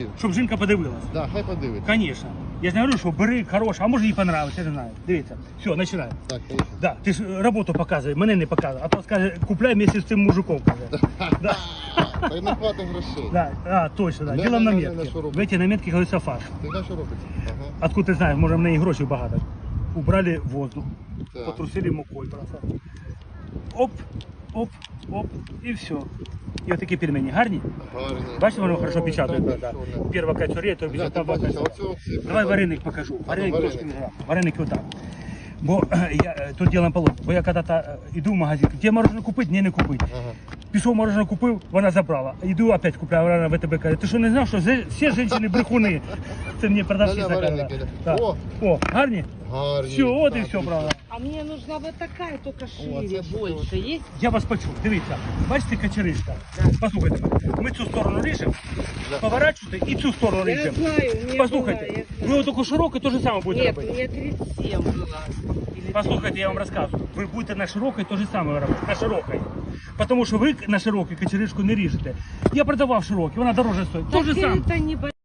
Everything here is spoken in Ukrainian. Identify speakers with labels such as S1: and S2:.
S1: Щоб жінка подивилась.
S2: Да, хай подивиться.
S1: Конечно. Я ж не говорю, що бери хороше, а може їй понравиться, я не знаю. Дивіться. Все, починаємо.
S2: Так, поїхали.
S1: Да, ти ж роботу показуй, мене не показуй. А то скаже, купляй вместе з цим мужиком. Каже. Да.
S2: Та й не хватить грошей.
S1: Да, точно, да.
S2: Не,
S1: Діло в
S2: не, не,
S1: наметки.
S2: не, що робити?
S1: В эти наметки говориться фарш.
S2: Ти знаєш, що робиться? Ага.
S1: Откуда ти знаєш, може в неї грошей багато. Убрали воздух,
S2: Так.
S1: потрусили мукою просто. Оп, оп, оп, і все. І отакі пельмені гарні.
S2: Гарні.
S1: Бачите, воно хорошо печатає.
S2: Так,
S1: Да.
S2: що не.
S1: Перва катюрія, то
S2: Бля,
S1: печатає.
S2: ти
S1: Там
S2: бачиш,
S1: бачиш.
S2: оце оці.
S1: Давай вареник покажу. Вареник
S2: вареник.
S1: трошки не грав. Вареники отак. Бо я тут ділом полон. Бо я коли-то йду в магазин, де мороженое купити, ні, не купити.
S2: Ага.
S1: Пішов мороженое купив, вона забрала. Йду опять купляю, вона в ВТБ каже, ти що не знав, що всі жінки брехуни? Це мені продавщиця
S2: Да-да,
S1: казала.
S2: вареники.
S1: Так.
S2: О!
S1: О, гарні?
S2: Гарні.
S1: Все, от і
S2: Так,
S1: все,
S2: і
S1: правда.
S3: А мне нужна вот такая, только шире,
S2: это что
S3: больше. Есть?
S1: Я вас почув, дивіться, бачите качеришка? Послухайте, ми цю сторону ріжемо, поворачуєте і цю сторону
S3: Я
S1: ріжемо.
S3: знаю, у меня
S1: Послухайте,
S3: была, я
S1: ви
S3: знаю.
S1: отаку широку, то же саме будете
S3: Нет, у
S1: робити.
S3: меня 37 была. Или
S1: Послухайте, я вам розказую. Ви будете на широкій то же саме робити, на широкій. Тому що ви на широкій качеришку не ріжете. Я продавав широкі, вона дороже стоїть. То же
S3: Так
S1: саме.
S3: это не